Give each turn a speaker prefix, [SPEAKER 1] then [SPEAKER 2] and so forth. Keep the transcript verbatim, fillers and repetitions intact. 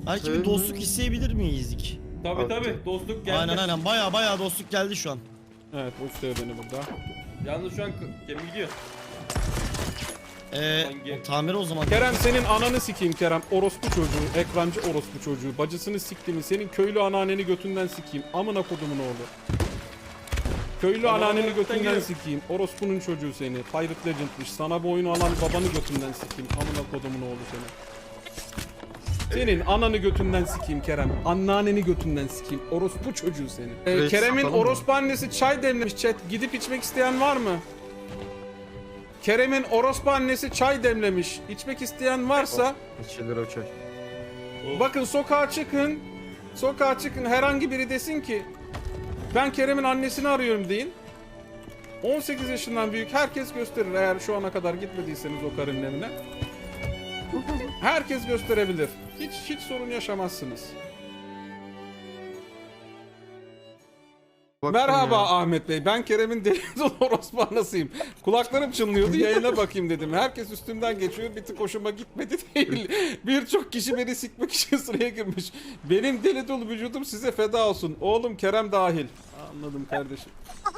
[SPEAKER 1] Belki bir dostluk isteyebilir miyiz?
[SPEAKER 2] Tabi tabi dostluk geldi.
[SPEAKER 1] Aynen aynen baya baya dostluk geldi şu an.
[SPEAKER 3] Evet uçluyor beni burada.
[SPEAKER 2] Yalnız şu an gemi gidiyor.
[SPEAKER 1] Eee
[SPEAKER 2] Hangi-
[SPEAKER 1] tamir o zaman.
[SPEAKER 3] Kerem senin ananı sikeyim Kerem. Orospu çocuğu, ekrancı orospu çocuğu. Bacısını siktiğimi, senin köylü anneanneni götünden sikeyim. Amına kodumun oğlu. Köylü
[SPEAKER 2] Tamam,
[SPEAKER 3] anneanneni
[SPEAKER 2] evet,
[SPEAKER 3] götünden
[SPEAKER 2] geliyorum.
[SPEAKER 3] sikeyim. Orospunun çocuğu seni. Pirate Legend'miş. Sana bu oyunu alan babanı götünden sikeyim. Amına kodumun oğlu seni. Senin ananı götünden sikeyim Kerem. Anneanneni götünden sikeyim. Orospu çocuğu seni. Ee,
[SPEAKER 4] Evet,
[SPEAKER 3] Kerem'in
[SPEAKER 4] satalım mı?
[SPEAKER 3] orospu annesi çay demlemiş chat. Gidip içmek isteyen var mı? Kerem'in orospu annesi çay demlemiş. İçmek isteyen varsa
[SPEAKER 4] İçilir o çay.
[SPEAKER 3] bakın sokağa çıkın. Sokağa çıkın, herhangi biri desin ki ben Kerem'in annesini arıyorum deyin. on sekiz yaşından büyük herkes gösterir, eğer şu ana kadar gitmediyseniz o karının evine. Herkes gösterebilir. Hiç hiç sorun yaşamazsınız.
[SPEAKER 4] Baktım
[SPEAKER 3] Merhaba
[SPEAKER 4] ya.
[SPEAKER 3] Ahmet Bey, ben Kerem'in deli dolu orospu anasıyım. Kulaklarım çınlıyordu, yayına bakayım dedim. Herkes üstümden geçiyor, bir tık hoşuma gitmedi değil. Birçok kişi beni sikmek için sıraya girmiş. Benim deli dolu vücudum size feda olsun. Oğlum Kerem dahil. Anladım kardeşim.